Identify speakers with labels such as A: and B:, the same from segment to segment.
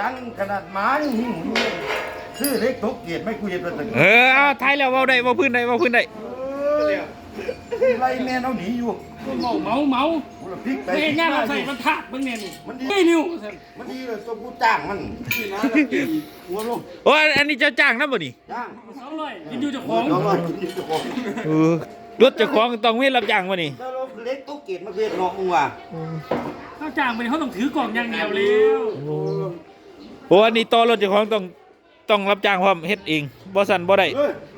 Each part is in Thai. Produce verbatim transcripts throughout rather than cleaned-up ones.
A: ดังขนาดหมาหิ้งซื้อเล็กตกเกียรติไม่กูเห็นเป็นตึก
B: เออเอาท้ายแล้วเว้าได้เว้าพื้นได้เว้าพื้นได้
A: ไรแม่เอาหนีอยู่
C: เมาเมาเมา
A: พริกไป
C: เฮ้ยงานเราใส่มันถาดมึงเนี่ยนี่
A: มันดี
C: ไม่นิ้ว
A: มันดีเลยตัวกูจ้างมันหัวลง
B: โอ้อันนี้เจ้าจ้างนะบ่นี่
A: จ้าง
C: สองร้อยกินอยู่เจ้าของ
A: สองร้อยกินอยู่เจ้าของ
B: เออรถเจ้าของต้องมีรับจ้างบ่นี่
A: ถ้าเราเล็กตกเกียรติมาเพียรเนาะมึงว่ะ
C: เขาจ้างไปเขาต้องถือกล่องอย่างเดียวแล้ว
B: โอ้อันนี้ต่อรถเจ้าของต้องต้องรับจ้างพร้อมเฮ็ดเองบ่สั่นบ่ได้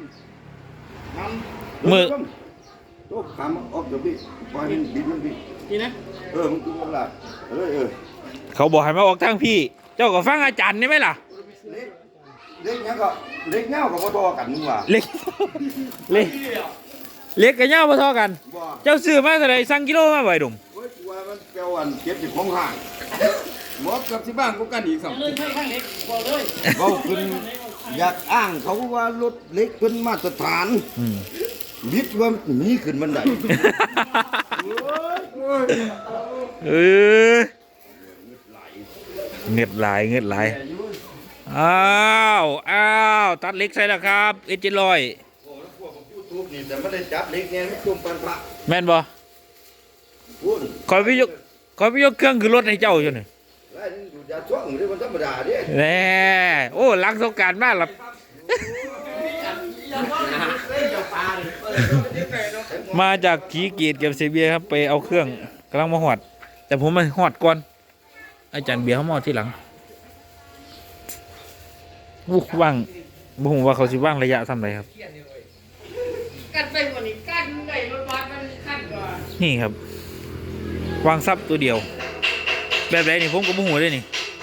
B: มือ
A: โต๊ะขามออกเดี๋ยวพี่ปล่อยมันบินมันพี่
C: นี่นะ
A: เออมึงกินกันละเออเออ
B: เขาบอกให้มาออกทางพี่เจ้าก็ฟังอาจารย์ได้ไหมล่ะ
A: เล็กเล็กเงี้ยก็เล็กเงี้ยก็พอทอกันมึงว่ะ
B: เล็กเล็กเล็กกับเงี้ยพอทอกันเจ้าซื้อมาเท่าไหร่สั่งกิโลมาบ่อยดุม
A: เฮ้ยว่ามันแปลว่าเก็บอยู่ของห่างหมดกับที่บ้านกูกันอีกสอง
C: เลยใช่ข้างเล็กบอกเลย
A: เขาขึ้นอยากอ้างเขาว่ารถเล็กเป็นมาตรฐานมิดว่ามีขึ้นบันได
B: เออเงือดไหลเงือดไหลอ้าวอ้าวตัดเล็กใส่แล้วครับเอเจลอย
A: แต่ไม่ได้จับเล็กเนี่ยไม่จุ่มปันพระ
B: แม่นบ่คอยไปยกคอยไปยกเครื่องคือรถให้เจ้าอยู่นี่
A: อยู่ยาช่วงหรือมันธรรมดาดิ
B: แน่โอ้หลังสงกรานต์มากล่ะมาจากขีเกียรติกับเซเบียครับไปเอาเครื่องกำลังมาหอดแต่ผมมาหอดก่อนอาจารย์เบียร์เขามาที่หลังวุ้ว่างบุ้งว่าเขาสิว่างระยะทำไรครับ
C: กันไปวันนี้กันได้รถบัสมันขั้นกว่า
B: นี่ครับวางซับตัวเดียวแบบไรนี่ผมก็บุ้งหัวด้วยนี่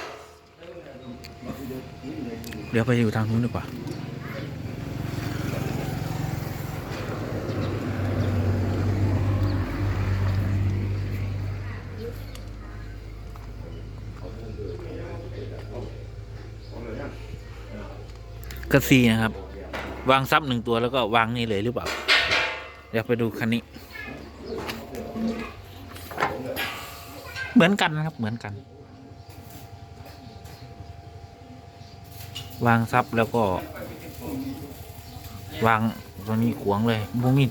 B: เดี๋ยวไปอยู่ทางนู้นดีกว่ากระซีนะครับวางซับหนึ่งตัวแล้วก็วางนี่เลยหรือเปล่าเดี๋ยวไปดูคันนี้เหมือนกันนะครับเหมือนกันวางซับแล้วก็วางตรงนี้ขวางเลยพวกนี้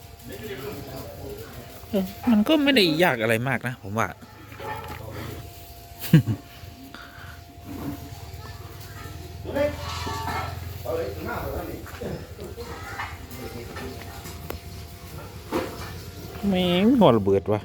B: มันก็ไม่ได้ยากอะไรมากนะผมว่าไม่หัวระเบิดวะ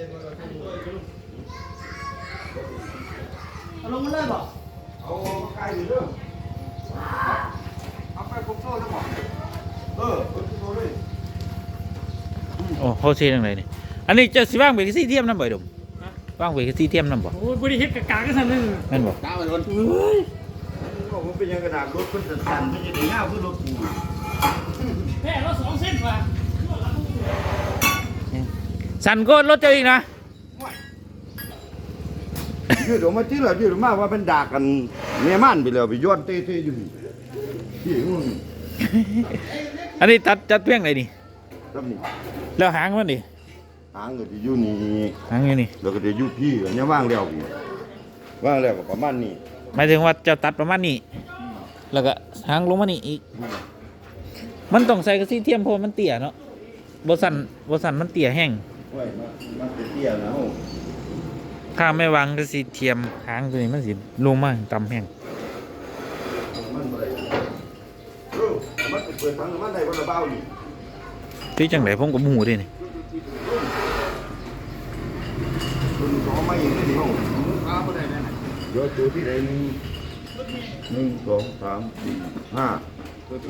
C: เอาลงมาเลยบอก
A: เอาไก่อยู่เรื่องเอาไปคุกโซ่แล้วบอกเออคุกโซ่เลย
B: โอ้เขาเชียงไหนนี่อันนี้จะสิว่างเบรกซี่เทียมน้ำบ่อยดมว่างเบรกซี่เทียมน้ำบ่
C: โอ้ยบริเฮ็ดกะกาก็สั่นนึง
B: นั่นบ่
A: กาไปโดนเฮ้ยบอกมันเป็นยังกระดาษรถขึ้นสั่นๆไม่ใช่เดี๋ยวเงาขึ้นรถกู
C: แค่รถสองเส้นว่ะ
B: สั่นก็รถเจ้าอีกนะ
A: ยืดออกมาที่เรายืดออกมาว่าเป็นดากันเมียมันไปเลยไปย้อนเต้ๆอยู่ที่มึง
B: อันนี้ตัดจัดเพียงไหนนี่แล้วหางมันดิ
A: หางก็จะอยู่นี่
B: หางอยู่นี่
A: แล้วก็จะอยู่พี่อันนี้ว่างแล้วพี่ว่างแล้วก็ประมาณนี้
B: หมายถึงว่าจะตัดประมาณนี้แล้วก็หางลงมานี่อีกมันต้องใส่กระสีเทียมเพราะมันเตี้ยเนาะบสันบสันมันเตี้ยแห้ง
A: มันเตี้ยนะ
B: ถ้าไม่วางกระสีเทียมหางตัวนี้มันสิลงมาต่ำแห้ง
A: มันเปิดทางมันได้วันละเบาอยู่
B: ที่จังไหนผมกับหมูด้วยนี่
A: คุณขอไม่ยิงไม่ดีห้องข้าวไม่ได้แน่เดี๋ยวตัวที่ไหนหนึ่งหนึ่งสองสามสี่ห้าหก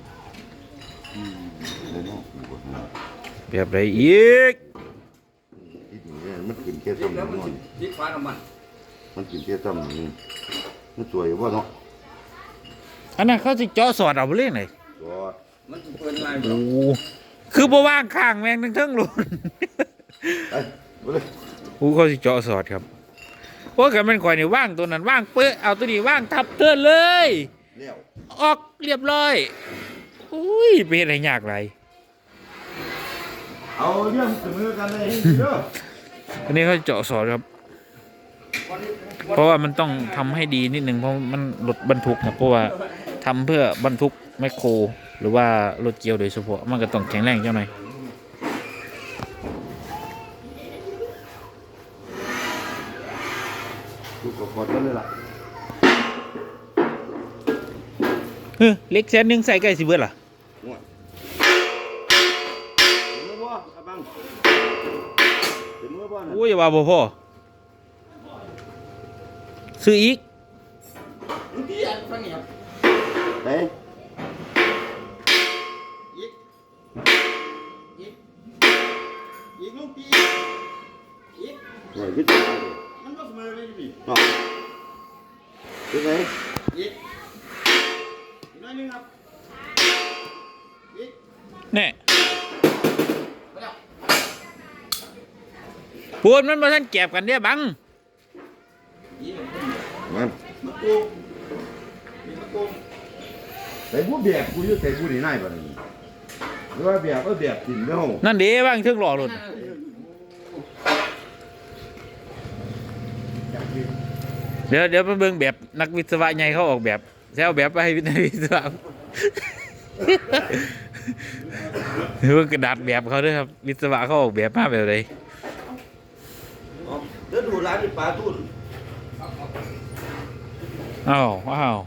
B: แบบไรอีก
A: มันกินแค่ซ้ำนี่ยิ่งฟ้าน้ำมันมันกินแค่ซ้ำนี่มันสวยว่าเนาะ
B: อันนั้นเขาจะเจาะสอดเอาไปเรื่อยไหน
A: มันเปิดอะไร
B: โอ้คือบ่ว่างข้างแมงทั้งทั้งหลุดโอ้เขาจะเจาะสอดครับเพราะกันมันข่อยนี่ว่างตัวนั้นว่างเปื้อเอาตัวนี้ว่างทับเตือนเลยออกเรียบร้อยอุ้ยเป็นอะไรยากไร
A: เอาเรื่องเสมอกันเลยเด้อ
B: อันนี้เขาเจาะสอดครับเพราะว่ามันต้องทำให้ดีนิดนึงเพราะมันรถบรรทุกนะเพราะว่าทำเพื่อบรรทุกแมคโครหรือว่ารถเกียวโดยเฉพาะมันก็ต้องแข็งแรงเจ้าหน่อย
A: ดูกกดกันเลยล่ะ
B: เฮ้ยเล็กแสนหนึงใส่ใกล้สิเบิดล่ะ
A: ง่วยเห็นมือบ่ครับบังเห็นมือบ่น่ะ
B: โอ้ยว่าบ่พอซื้ออีก
C: พี่อันฟังนี่ครับ
A: เฮ้ย
C: อีกอีกอีกลูกพี่อีก
A: ง่วยขึ้นไปเลย
C: มันก็เสมอเลยพี่
A: เนาะเป็นไง
C: อีกอีกน้อยนึงครับอีก
B: แน่
C: ไปแล้ว
B: พูดมันบ่ทันแก็บกันเด้อบัง
C: อีก
A: มัน
C: มะกรูดมีมะกรูด
A: ใส่ผู้แบบกูอยู่ใส่ผู้นี่นายบ่นี่หรือว่าแบบเออแบบกินเด้อ
B: นั่นเด้บังถึงหล่อรถเดี๋ยวเดี๋ยวไปเบิ่งแบบนักวิศวะใหญ่เขาออกแบบแซวแบบไปให้นักวิศวะ หรือว่ากระดาษแบบเขาด้วยครับวิศวะเขาออกแบบมาแบบไหน
A: เดี๋ยวดูร้านนี่ปลาทุ่น
B: อ้าวอ้าว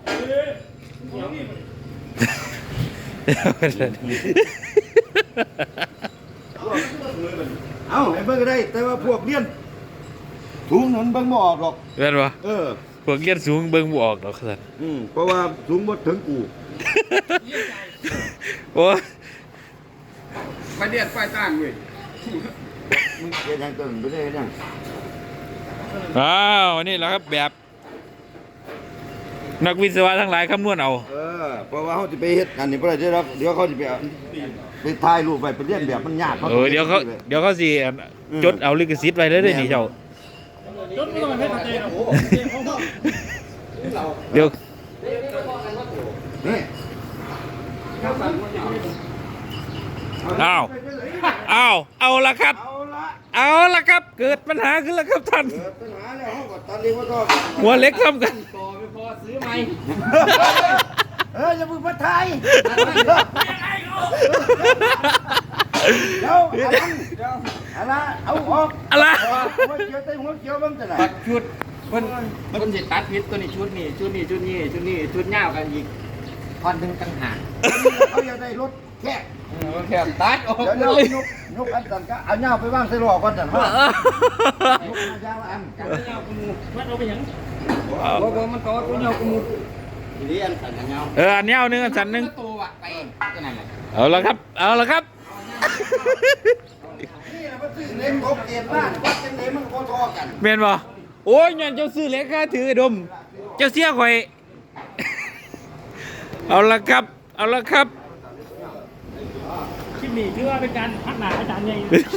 A: เอ้าให้เบิ่งก็ได้ แต่ว่าพวกเลี้ยนถุงนั้นเบิ่งบ่ออกหรอก
B: เห็นปะ
A: เออ
B: พวกเรียนสูงเบิ่งบ่ออกดอกสัน
A: อืมเพราะว่าสูงบ่ถึงกู
B: โอ้ย
C: ไปเดียดไฟตั้งเว้ย
A: มึงเฮ็ดหยังตัวนั้นบ่ได้เฮ็ดหยัง
B: อ้าวนี่แหละครับแบบ นักวิศวะทั้งหลายคำนวณเอา
A: เออเพราะว่าเขาจะไปเฮ็ดอันนี้บ่ได้เด้อครับเดี๋ยวเขาจะไปเอาไปถ่ายรูปไว้ไปเรียนแบบมันยาก
B: เออเดี๋ยวเขาเดี๋ยวเขาสิจดเอาลิขสิทธิ์ไว้เลยเด้อนี่เจ้า
C: จนไม่ต้องให้เขาเจอโอ้
B: เดี๋ยว
A: นี่
B: อ้าวอ้าวเอาละครับ
A: เอาละ
B: เอาละครับ เกิดปัญหาขึ้นแล้วครับท่าน
A: เกิดปัญหาแล้วเขาก็ตัดเลี้ยงว่าต้อง
B: หัวเล็กทำกัน
C: ต่อไม่พอซื้อไหม
A: เอออย่าเพิ่งมาถ่ายเดี๋ยวอันนั้นอันนั้นเอาออก
B: อะไร
A: หัวเขียวใส่หัวเขียวมันจะไหน
C: ตัดชุดเพิ่นเพิ่นสิตัดพิษตัวนี้ชุดนี้ชุดนี้ชุดนี้ชุดนี้ชุดยาวกันอีกท่อนหนึงต่างหาก
A: เขาอยากได้รถแค่
C: เออแค่ตัดออก
A: เดี๋ยวเดี๋ยวยกยกอันสั่นก็เอาเงาไปวางใส่ล้อก่อนสั่นว่ายกมายางละอัน
C: กันยาวกูมูมันเอาไปหยังบ่บ่มันต่อตัวยาวกูมูทีนี้อันสั่นกันยาว
B: เอออันนี้เอาหนึ่งอันสันหนึ่ง
C: ตัววะไปก็นั่นแหละ
B: เอาละครับ เอาละครับ
A: นี่นะมันซื้อเล็กครบเกณฑ์บ้านวัดจังไหนมันก็ทอกัน
B: เมนบ่โอ้ยยันเจ้าซื้อเล็กค่าถือไอ้ดม เจ้าเสียข่อย เอาละครับ เอาละครับ
D: คลิปนี้ถือว่าเป็นการพักหนาอาจารย์ใหญ่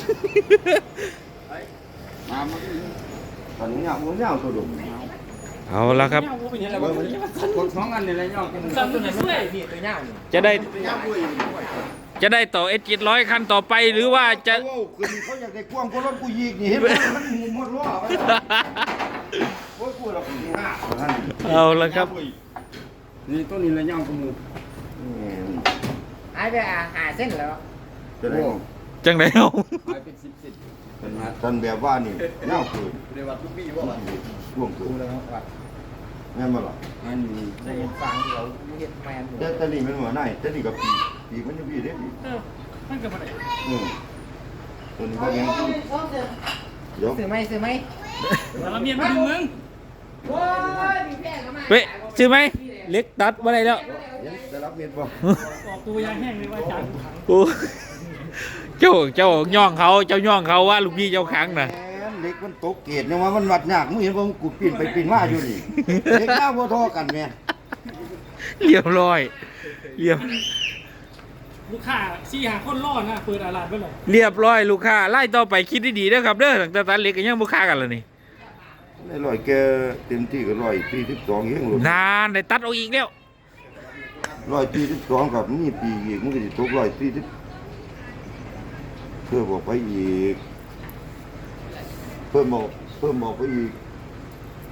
A: มามาตอนนี้เงาเงาตัวดุม
B: เอาละครับ
D: เป็นยังไง
C: กดสองอันนี่แหละยาวกูมูซ้ำตัวไหนมันได้นี่ตัวยาวนี่
B: จะได้
A: เงาด้วย
B: จะได้ต่อเอสจิตร้อยคันต่อไปหรือว่าจะ
A: โอ้คือเขาอยากได้กว้างกว่ารถกูยีกนี่เห็นไหมมันหมุนหมดล้อไปโอ้ยกูเราปีห้า
B: เอาละครับ
C: นี่ตัวนี้แหละยาวกูมูหายไปอ่ะหาเส้นแล้ว
A: จะได้
B: จังไดเอา
C: หายเป็นสิบสิบ
A: ตอนแบบว่านี่เงาคือ
C: เรียกว่าทุกปีว่าวัน
A: ช่วงคือ
C: กูแล้วว่า
A: แม่นบ่ล่ะ
C: อันนี้ได้เห็นฟังเราเห็นแมนอยู่
A: แต่แต่นี่มันหัวหน้าแต่นี่กับปีปีมันจะปีเด้ปี
D: เออมันเกิดอะไร
A: อืมตัวนี้ก็ยังเดี๋ยว
C: ซื้อไหมซื้อไหม
D: แต่ละเมียนไปดึงมึง
C: โอ้ยมีแพงเข้ามา
B: เว้ยซื้อไหมเล็กตัดมาได้แล้ว
A: จะรับเงินบ่
D: ออกตัวยางแห้งเลยว่าอาจารย์
B: โอ้เจ้าเจ้าย่องเขาเจ้าย่องเขาว่าลูกพี่เจ้าขังน่ะ
A: แหมเล็กมันตกเกตเนี่ยว่ามันวัดยากมึงเห็นว่ากูปีนไปปีนมาอยู่นี่เล็กหน้าบ่ทอกันแม่
B: เรียบร้อยเรียบ
D: ลูกค้าซี่หาคนรอดนะเปิดอาลาดไปเลย
B: เรียบร้อยลูกค้าไล่ต่อไปคิดดีๆนะครับเด้อตั้งแต่ตัดเล็กก็ยังบ่ค้ากันแล้วนี่
A: ในร้อยแกเต็มที่ก็ร้อยสี่สิบสองเองลูก
B: นานได้ตัดเอาอีกแล้ว
A: ร้อยสี่สิบสองกับนี่ปีอีกมันก็จะตกร้อยสี่สิบเพิ่มบอกไปอีก เพิ่มบอกเพิ่มบอกไปอีก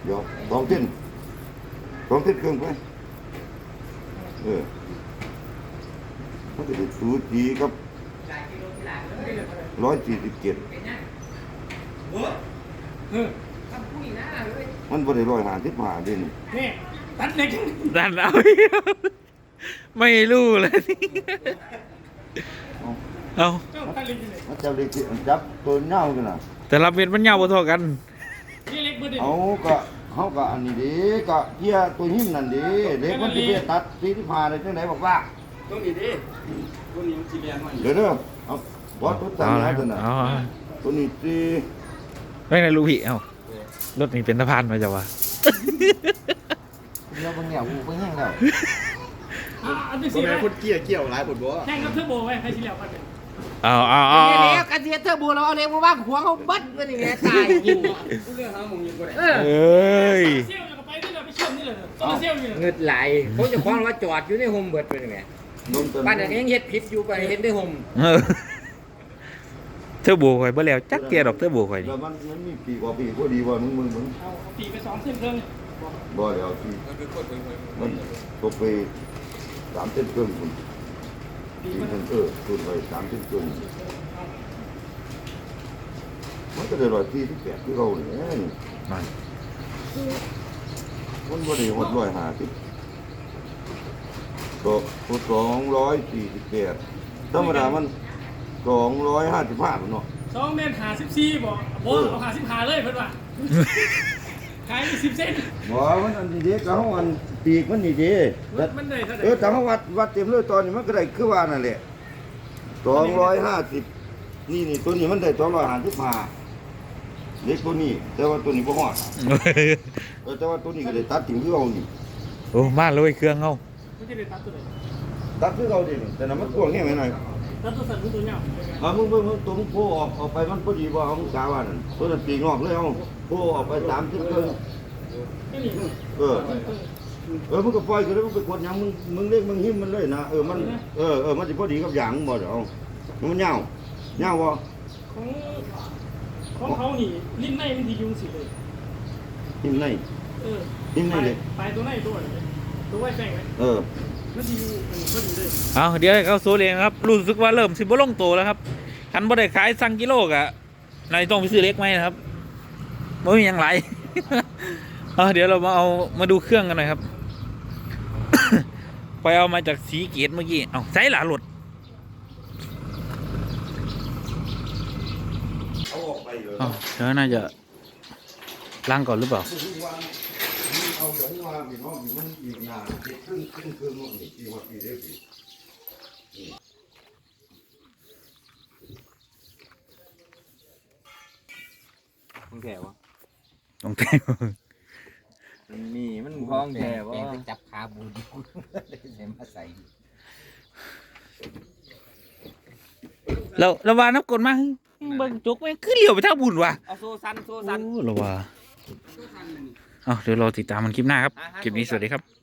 A: เดี๋ยวสองเส้นสองเส้นเครื่องไปเออมันจะได้สูสีกับร้อยสี่สิบเจ็ด
D: เออ
A: มันบ่ได้ร้อยห้าสิบห้าเด่น
D: นี่ตัดเล็ก
B: ดันเอาไม่รู้เลยเอา
D: เจ้าตัดเล็กเลย
A: มันจะได้จับตัวเน่ากันน่ะ
B: แต่ละเม็ดมันยาวบ่เท่ากัน
D: นี่เล็กเบอร์เดียว
A: เอาก็เฮาก็อันนี้เด้ก็เที่ยตัวหิ้มนั่นเด้เด็กมันสิไปตัดสี่สิบห้าได้จังไดบอกว่า
C: ตัวนี้ดิตัวนี้มันสีแดงมัน
A: เดี๋ยวเด้อเอาบ่ตัวตั้ง
B: เอา
A: หลา
B: ละ
A: ยตัวน่ะ
B: เอา
A: ตัวนี้สิ
B: ไม่ในรู้พี่เอ้ารถนี่เป็นสะพานมาจ้ะวะ
C: เดี๋ยวบางอย่างกูไปแห้งแล้ว
D: อ่ะอันที่
C: ตัว
D: สี่
C: ไหน
D: ไหม
C: คนเกี้ยเกี้ยวหลายปวดบ่
D: แข่งกับเทอร์โบไว้ใครสิแล้วกันเนี่ย
B: เอาเอาเอา
E: เนี่ยแล้วกันเทียเทอร์โบเราเอาเล็กมาว่างหัวเขาเบัดมันอย่างเงี้ยตายยิง
C: เรื่องหาหมองยิงบ่ได้
E: เออ
B: เอ้ย
D: เซี่ยวจะไปนี่เลยไปเชื่อมนี่เลยโซลาเซลล์นี่เลย
E: เงิดไหลเขาจะคว้างว่าจอดอยู่ในโฮมเบิร์ดเป็นยังไง
A: นมตัว
E: บ้านนั้นยังเฮ็ดผิดอยู่ไปเฮ็ดในโฮม
B: เออเธอโบข่อยบ่แล้วจักเกียดอกเธอโบข่อย
A: แล้
B: นี่
A: วมันมันมีปีกว่าปีพอดีว่ามึงมึงมึง
D: เอาปีไปสองเส้นเครื่อง
A: บ่แล้วปีมันตกไปสามเส้นครึ่งคุณ
D: ปี
A: ปี
D: มัน
A: เส้นเออคุณไปสามเส้นครึ่งมันก็ได้ร้อยสี่สิบแปดคือเราเนี่ย
B: นั่น
A: มันบ่ได้หดร้อยห้าสิบก็สองร้อยสี่สิบแปดธรรมดามันสองร้อยห้าสิบห้าเนาะ
D: สองเมตรหาสิบสี่บอกโบเอาหาสิบหาเลยเพื่อนว่าขายสิบเส้น
A: บ่มันอันนี้เด็กเขาอันปีกมันนี่เด้
D: มันได้เท่าไหร่
A: เออถ้าเขาวัดวัดเต็มเลยตอนนี้มันก็ได้คือว่านั่นแหละสองร้อยห้าสิบนี่นี่ตัวนี้มันได้สองร้อยห้าสิบห้าเด็กตัวนี้ แต่ว่าตัวนี้บ่ฮอดเออแต่ว่าตัวนี้ก็ได้ตัดทิ้งคือเอานี่
B: โอ้มาเลยเครื่องเฮา
D: ไม่ใช่ได้ตัดตัวไหน
A: ตัดคือเอาดิแต่นั้นมันกว้างแค่ไหนหน่อย
D: ตัดตัวสั่นตัวเงา
A: เอามึงมึงมึงตัวมึงโผล่ออกออกไปมันพอดีบ่เอามึงกาว่านั่นตัวนั้นปีกงอกเลยเอาโผล่ออกไปสามสิบเกิน
D: ไม่มี
A: เออ เออมึงก็ปล่อยก็ได้มึงไปกดหยังมึงมึงเรียกมึงหิ้มมันเลยนะเออมันเออเออมันสิพอดีกับหยังบ่เดี๋ยวเอามันยาวเงาวบ่
D: ของของเขานี่ลิ้นในมันทียุงสิเลย
A: หิ้มใน
D: เออ
A: หิ้มในเลย
D: ปลายตัวในตัวเลยตัวไว้แป้งไว้
A: เออ
D: มันทียูมันก็ดีเลย
B: เอาเดี๋ยวให้เขาโซเลงครับรู้สึกว่าเริ่มสิบ่ลงโตแล้วครับคันบ่ได้ขายสั่งกิโลกะนายต้องไปซื้อเล็กไหมนะครับบ่มีหยังหลาย เอาเดี๋ยวเรามาเอามาดูเครื่องกันหน่อยครับ ไปเอามาจากสีเกตเมื่อกี้เอาใช้หลาหลุด
A: เอาออกไปเลย
B: อ๋อเดี๋ยวน่าจะล้างก่อนหรือเปล่า
A: เอาอย่างว่าพี่น้องมันอีกนานเจ็ดครึ่งครึ่งครึ่งนี่ที่ว่าปีเดียวปี
C: มึงแก่วะ
B: ต้องแต่ง
C: มันมีมันคล้องแก่วะ
E: แกไปจับขาบูดีกูใส่มาใส่
B: เราเราว่าน้ำกลมาเบิ่งจุกแม่งคือเลี้ยวไปทางบุญว่ะ
C: เอาโซซันโซซัน
B: โอ้เราว่าเอาเดี๋ยวเราติดตามมันคลิปหน้าครับ คลิปนี้สวัสดีครับ